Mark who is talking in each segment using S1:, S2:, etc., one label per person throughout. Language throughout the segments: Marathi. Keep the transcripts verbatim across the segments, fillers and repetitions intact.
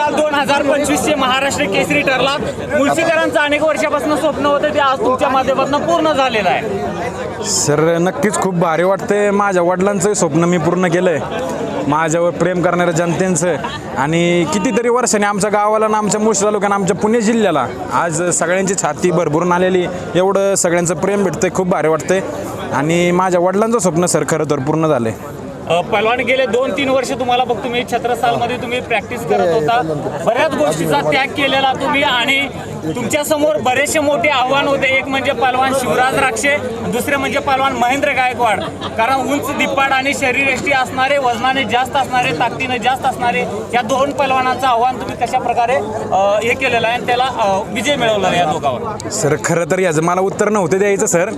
S1: सांगाल दोन हजार पंचवीस चे महाराष्ट्र केसरी ठरला? मुळशीकरांचं अनेक वर्षापासून स्वप्न होतं ते आज तुमच्या माध्यमातून पूर्ण झालेलं आहे.
S2: सर नक्कीच खूप भारी वाटतंय. माझ्या वडिलांचं स्वप्न मी पूर्ण केलं आहे. माझ्यावर प्रेम करणाऱ्या जनतेचं आणि कितीतरी वर्षांनी आमच्या गावाला ना आमच्या मुळशी तालुक्यानं आमच्या पुणे जिल्ह्याला आज सगळ्यांची छाती भरभरून आलेली, एवढं सगळ्यांचं प्रेम भेटतंय. खूप भारी वाटतंय आणि माझ्या वडिलांचं स्वप्न सर खरं तर पूर्ण झालं आहे.
S1: पहलवान गेले दोन तीन वर्ष तुम्हाला बघ तुम्ही छत्रसालमध्ये तुम्ही प्रॅक्टिस करत होता, बऱ्याच गोष्टीचा त्याग केलेला तुम्ही आणि तुमच्या समोर बरेचसे मोठे आव्हान होते. एक म्हणजे पहलवान शिवराज राक्षे, दुसरे म्हणजे पहलवान महेंद्र गायकवाड. कारण उंच दिप्पाड आणि शरीरयष्टी असणारे, वजनाने जास्त असणारे, ताकदीने जास्त असणारे या दोन पहलवानांचं आव्हान तुम्ही कशा प्रकारे हे केलेलं आहे आणि त्याला विजय मिळवला या दोघांवर?
S2: सर खरं तर याचं मला उत्तर नव्हतं द्यायचं सर.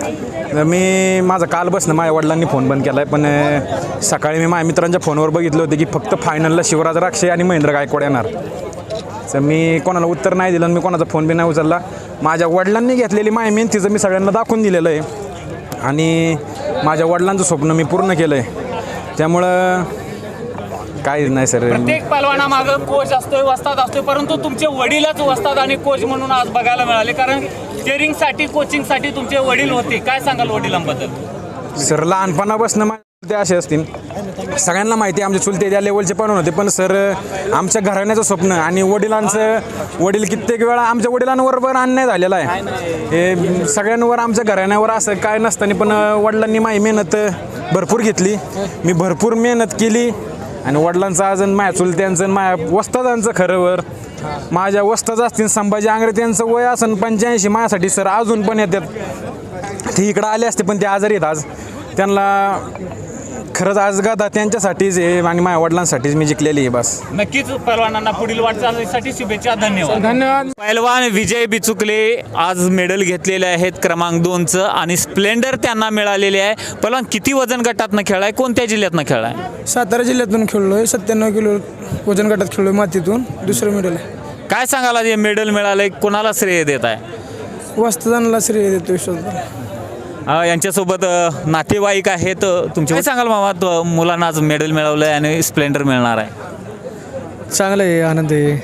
S2: मी माझं काल बसणं माझ्या वडिलांनी फोन बंद केला आहे, पण सकाळी मी माझ्या मित्रांच्या फोनवर बघितलं होतं की फक्त फायनलला शिवराज राक्षे आणि महेंद्र गायकवाड येणार. तर मी कोणाला उत्तर नाही दिलं, मी कोणाचा फोन बी नाही उचलला. माझ्या वडिलांनी घेतलेली माय मेहनतीचं मी सगळ्यांना दाखवून दिलेलं आहे आणि माझ्या वडिलांचं स्वप्न मी पूर्ण केलं आहे. त्यामुळं काही नाही सर.
S1: प्रत्येक पहलवानामागं कोच असतोय, वस्ताद असतोय, परंतु तुमचे वडीलच वस्ताद आणि कोच म्हणून आज बघायला मिळाले. कारण स्टेरिंगसाठी कोचिंगसाठी तुमचे वडील होते. काय सांगाल वडिलांबद्दल?
S2: सर लहानपणापासून माझे ते असे असतील, सगळ्यांना माहिती आहे आमचे चुलते त्या लेवलचे पण होते, पण सर आमच्या घराण्याचं स्वप्न आणि वडिलांचं, वडील कित्येक वेळा आमच्या वडिलांवर पण अन्याय झालेला आहे. हे सगळ्यांवर आमच्या घराण्यावर असं काय नसताना पण वडिलांनी माझी मेहनत भरपूर घेतली, मी भरपूर मेहनत केली आणि वडिलांचं अजून माझ्या चुलत्यांचं माझ्या वस्तादांचं खरंवर माझ्या वस्ताद असतील संभाजी आंग्रे त्यांचं वय असन पंच्याऐंशी, माझ्यासाठी सर अजून पण येतात. ते इकडं आले असते पण ते आजारी आहेत आज. त्यांना खरंच आज गादा त्यांच्यासाठीच आहे आणि माझ्या वडिलांसाठीच मी जिंकलेली आहे. बस
S1: नक्कीच पहलवानांना पुढील वाटचालीसाठी शुभेच्छा. धन्यवाद.
S3: धन्यवाद.
S1: पहलवान विजय बिचुकले आज मेडल घेतलेले आहेत क्रमांक दोनचं आणि स्प्लेंडर त्यांना मिळालेले आहे. पहलवान किती वजन गटातनं खेळाय, कोणत्या जिल्ह्यातनं खेळाय?
S3: सातारा जिल्ह्यातून खेळलोय, सत्त्याण्णव किलो वजन गटात खेळलोय, मातीतून दुसरं मेडल आहे.
S1: काय सांगाल हे मेडल मिळालंय, कोणाला श्रेय देत आहे?
S3: वस्तादांना श्रेय देतो विश्वास.
S1: यांच्यासोबत नातेवाईक आहेत तुमचे. काय सांगाल मामा, तो मुलांना आज मेडल मिळवलं आहे आणि स्प्लेंडर मिळणार आहे?
S3: चांगलं आहे, आनंद आहे.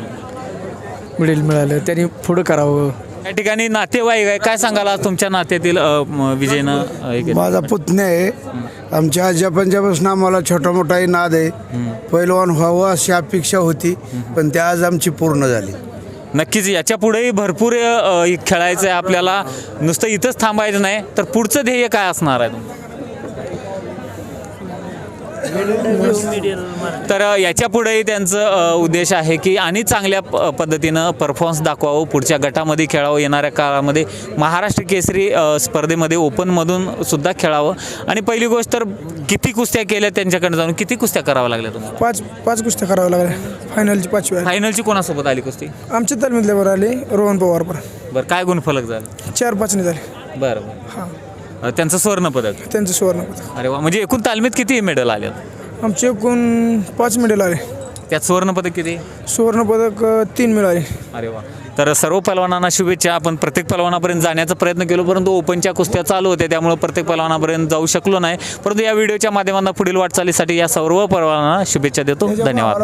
S3: मेडल मिळालं त्यांनी पुढं करावं.
S1: या ठिकाणी नातेवाईक आहे, काय सांगाल आज तुमच्या नात्यातील विजयनं हे केलं?
S4: माझा पुतण्या आहे. आमच्या आजी पंजापासून आम्हाला छोटा मोठाही नाद आहे, पैलवान व्हावं अशी अपेक्षा होती, पण त्या आज आमची पूर्ण झाली.
S1: नक्कीच याच्या पुढेही भरपूर खेळायचं आहे आपल्याला, नुसतं इथंच थांबायचं नाही. तर पुढचं ध्येय काय असणार आहे तुमचं? तर याच्या पुढेही त्यांचं उद्देश आहे की आणि चांगल्या प पद्धतीनं परफॉर्मन्स दाखवावं, पुढच्या गटामध्ये खेळावं, येणाऱ्या काळामध्ये महाराष्ट्र केसरी स्पर्धेमध्ये ओपनमधून सुद्धा खेळावं. आणि पहिली गोष्ट तर किती कुस्त्या केल्या त्यांच्याकडे जाऊन, किती कुस्त्या कराव्या लागल्या तुम्हाला?
S3: पाच पाच कुस्त्या कराव्या लागल्या. फायनलची पाचवी आहे.
S1: फायनलची कोणासोबत आली कुस्ती?
S3: आमच्या तालमीतल्यावर आली रोहन पवार. पण
S1: बरं, काय गुणफलक झालं?
S3: चार पाचने झाले.
S1: बरं बरं.
S3: हां,
S1: त्यांचं स्वर्ण पदक.
S3: त्यांचं सुवर्ण पदक.
S1: अरे वा, म्हणजे एकूण तालमीत किती मेडल आले?
S3: आमचे एकूण पाच मेडल आले.
S1: त्यात स्वर्ण पदक किती?
S3: सुवर्ण पदक तीन मिळाले.
S1: अरे वा. तर सर्व पहलवानांना शुभेच्छा. आपण प्रत्येक पहलवानापर्यंत जाण्याचा प्रयत्न केलो, परंतु ओपनच्या कुस्त्या चालू होत्या त्यामुळे प्रत्येक पहलवानापर्यंत जाऊ शकलो नाही. परंतु या व्हिडिओच्या माध्यमातून पुढील वाटचालीसाठी या सर्व पहलवानांना शुभेच्छा देतो. धन्यवाद.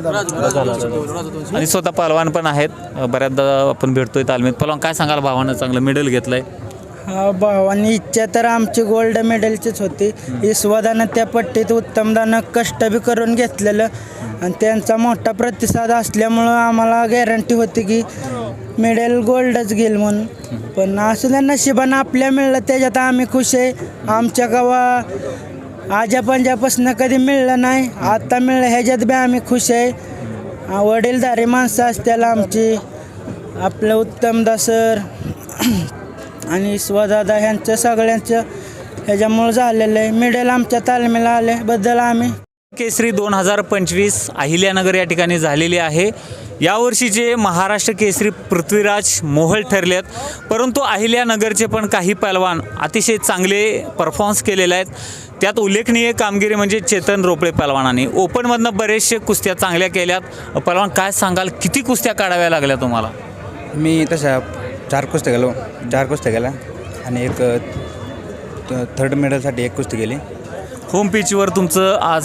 S1: आणि स्वतः पहलवान पण आहेत, बऱ्याचदा आपण भेटतोय तालमीत. पहलवान काय सांगाल, भावानं चांगलं मेडल घेतलंय?
S5: हा, भावांनी इच्छा तर आमची गोल्ड मेडलचीच होती. यशवदानं त्या पट्टीत उत्तमदानं कष्ट बी करून घेतलेलं आणि त्यांचा मोठा प्रतिसाद असल्यामुळं आम्हाला गॅरंटी होती की मेडल गोल्डच घेईल म्हणून. पण असं त्या नशिबानं आपल्या मिळलं त्याच्यात आम्ही खुश आहे. आमच्या गावा आजा पंजापासून कधी मिळलं नाही, आता मिळलं ह्याच्यात बी आम्ही खुश आहे. वडीलधारी माणसं असत्याला आमची, आपलं उत्तमदा सर आणि स्वदादा ह्यांचं सगळ्यांचं ह्याच्यामुळं झालेलं आहे. मेडल आमच्या तालमीला आल्याबद्दल आम्ही.
S1: केसरी दोन हजार पंचवीस अहिल्यानगर या ठिकाणी झालेली आहे. यावर्षीचे महाराष्ट्र केसरी पृथ्वीराज मोहोळ ठरलेत, परंतु अहिल्यानगरचे पण काही पहलवान अतिशय चांगले परफॉर्मन्स केलेले आहेत. त्यात उल्लेखनीय कामगिरी म्हणजे चेतन रोपळे पहलवानांनी ओपनमधनं बरेचसे कुस्त्या चांगल्या केल्यात. पहलवान काय सांगाल, किती कुस्त्या काढाव्या लागल्या तुम्हाला?
S6: मी तशा चार कुस्त्या गेलो चार कुस्त्या गेल्या आणि एक थर्ड मेडलसाठी एक कुस्ती केली.
S1: होम पिचवर तुमचं आज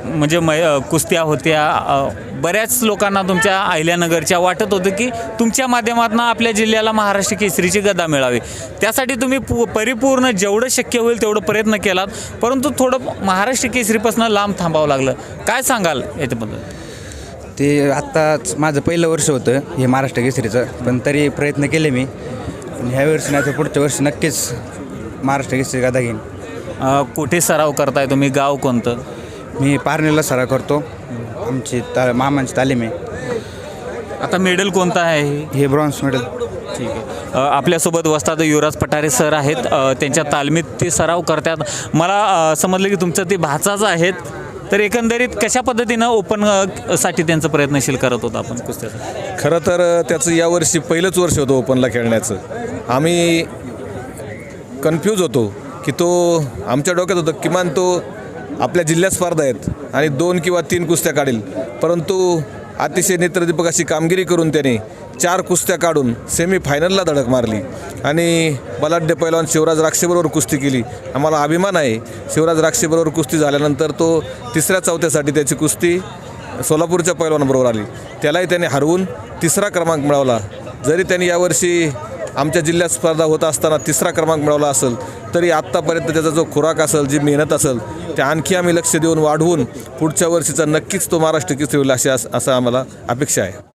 S1: म्हणजे मै अ, कुस्त्या होत्या, अ, बऱ्याच लोकांना तुमच्या अहिल्यानगरच्या वाटत होतं की तुमच्या माध्यमातून आपल्या जिल्ह्याला महाराष्ट्र केसरीची गदा मिळावी. त्यासाठी तुम्ही पू परिपूर्ण जेवढं शक्य होईल तेवढं प्रयत्न केलात, परंतु थोडं महाराष्ट्र केसरीपासून लांब थांबावं लागलं. काय सांगाल याच्याबद्दल?
S6: ते आत्ताच माझं पहिलं वर्ष होतं हे महाराष्ट्र केसरीचं, पण तरी प्रयत्न केले मी. आणि ह्या वर्षी नाही तर पुढच्या वर्षी नक्कीच महाराष्ट्र केसरी गदा घेईन.
S1: अ, कुठे सराव करताय तुम्ही? गाव कोणतं?
S6: मी पारनेरला सराव करतो. आमची ता मामांची तालीम आहे.
S1: आता मेडल कोणतं आहे हे?
S6: हे ब्रॉन्झ मेडल.
S1: ठीक आहे. अ, आपल्यासोबत वस्ताद युवराज पठारे सर आहेत. अ, त्यांच्या तालमीत ते सराव करतात. मला अ, समजलं की तुमचं ते भाचाच आहेत. तर एकंदरीत कशा पद्धतीनं ओपन अ, साठी त्यांचं प्रयत्नशील करत होता आपण कुस्त्याचं?
S7: खरं तर त्याचं यावर्षी पहिलंच वर्ष होतं ओपनला खेळण्याचं. आम्ही कन्फ्यूज होतो की तो आमच्या डोक्यात होतं किमान तो आपल्या जिल्ह्यात स्पर्धा आहेत आणि दोन किंवा तीन कुस्त्या काढील, परंतु अतिशय नेत्रदीपक अशी कामगिरी करून त्याने चार कुस्त्या काढून सेमीफायनलला धडक मारली आणि बलाढ्य पैलवान शिवराज राक्षेबरोबर कुस्ती केली. आम्हाला अभिमान आहे शिवराज राक्षेबरोबर कुस्ती झाल्यानंतर तो तिसऱ्या चौथ्यासाठी त्याची कुस्ती सोलापूरच्या पैलवानाबरोबर आली. त्यालाही त्याने हरवून तिसरा क्रमांक मिळवला. जरी त्यांनी यावर्षी आमच्या जिल्ह्यात स्पर्धा होत असताना तिसरा क्रमांक मिळवला असेल, तरी आत्तापर्यंत त्याचा जो खुराक असेल, जी मेहनत असेल, त्या आणखी आम्ही लक्ष देऊन वाढवून पुढच्या वर्षीचा नक्कीच तो महाराष्ट्र केसरी होईल अशी असं आम्हाला अपेक्षा आहे.